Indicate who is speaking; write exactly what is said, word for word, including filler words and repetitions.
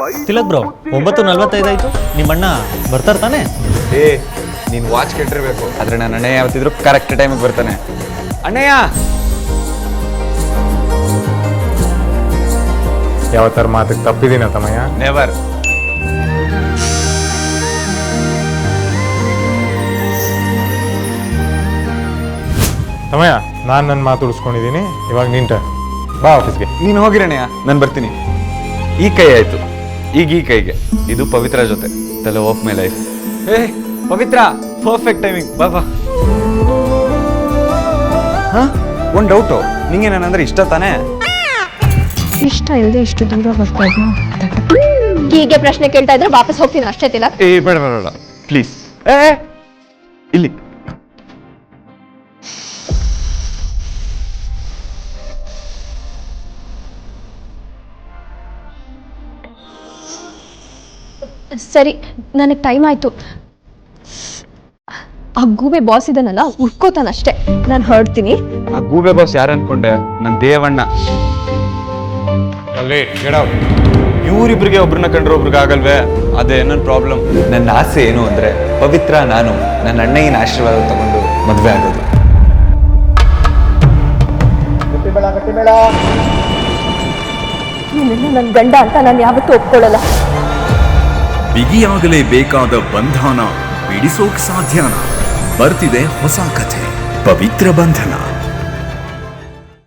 Speaker 1: Tilak bro ಒಂಬತ್ತು ನಲ್ವತ್ತೈದು ಆಯ್ತು ನಿಮ್ಮಣ್ಣ ಬರ್ತಾರ ತಾನೆ?
Speaker 2: ಏ ನೀನು ವಾಚ್ ಕೆಟ್ಟಿರ್ಬೇಕು, ಆದ್ರೆ ನನ್ನ ಅಣ್ಣಯ್ಯ ಯಾವತ್ತಿದ್ರು ಕರೆಕ್ಟ್ ಟೈಮಿಗೆ ಬರ್ತಾನೆ. ಅಣ್ಣಯ್ಯ
Speaker 3: ಯಾವತ್ತಾರ ಮಾತಿಗೆ ತಪ್ಪಿದೀನ ತಮ್ಮಯ್ಯ?
Speaker 2: ನೆವರ್.
Speaker 3: ತಮ್ಮಯ್ಯ ನಾನು ನನ್ನ ಮಾತು ಉಳಿಸ್ಕೊಂಡಿದ್ದೀನಿ, ಇವಾಗ ನಿಂಟ ಬಾ ಆಫೀಸ್ಗೆ.
Speaker 2: ನೀನು ಹೋಗಿರಣ್ಣಯ್ಯ, ನಾನು ಬರ್ತೀನಿ. ಈ ಕೈ ಆಯ್ತು, ಈಗ ಈ ಕೈಗೆ ಇದು ಪವಿತ್ರ ಜೊತೆ ತಲೆ ಆಫ್ ಮೈ ಲೈಫ್. ಏ ಪವಿತ್ರ, ಪರ್ಫೆಕ್ಟ್ ಟೈಮಿಂಗ್, ಬಾ ಬಾ. ಹಾ ಒಂದು ಡೌಟು, ನಿಂಗೆ ನಾನಂದ್ರೆ ಇಷ್ಟ ತಾನೇ?
Speaker 4: ಇಷ್ಟ ಇಲ್ಲದೆ ಇಷ್ಟು ದೂರ ಬರ್ತಾ ಇದ್ನ ಹೀಗೆ ಪ್ರಶ್ನೆ ಕೇಳ್ತಾ ಇದ್ರೆ ವಾಪಸ್ ಹೋಗ್ತೀನಿ ಅಷ್ಟೇ. ತಿಲಕ್
Speaker 2: ಏ ಬೇಡ ಬೇಡ ಬೇಡ ಪ್ಲೀಸ್. ಏ ಇಲ್ಲಿ
Speaker 4: ಸರಿ, ನನಗೆ ಟೈಮ್ ಆಯ್ತು. ಆ ಗೂಬೆ ಬಾಸ್ ಇದನ್ನಲ್ಲ ಉಳ್ಕೋತಾನಷ್ಟೇ, ನಾನು ಹೊರಡ್ತೀನಿ.
Speaker 2: ಆ ಗೂಬೆ ಬಾಸ್ ಯಾರು ಅನ್ಕೊಂಡೆ? ನನ್ನ ದೇವಣ್ಣ. ಇವರಿಬ್ರಿಗೆ ಒಬ್ರನ್ನ ಕಂಡ್ರೆ ಒಬ್ರಿಗೆ ಆಗಲ್ವೇ? ಅದೇ ನನ್ನ ಪ್ರಾಬ್ಲಮ್. ನನ್ನ ಆಸೆ ಏನು ಅಂದ್ರೆ ಪವಿತ್ರ ನಾನು ನನ್ನ ಅಣ್ಣಯ್ಯನ ಆಶೀರ್ವಾದ ತಗೊಂಡು ಮದುವೆ ಆಗೋದು.
Speaker 4: ನೀನೆಲ್ಲ ನನ್ನ ಗಂಡ ಅಂತ ನಾನು ಯಾವತ್ತೂ ಒಪ್ಕೊಳ್ಳಲ್ಲ.
Speaker 5: ಬಿಗಿಯಾಗಲೇಬೇಕಾದ ಬಂಧನ ಬಿಡಿಸೋಕ್ ಸಾಧ್ಯನಾ? ಬರ್ತಿದೆ ಹೊಸ ಕಥೆ, ಪವಿತ್ರ ಬಂಧನ.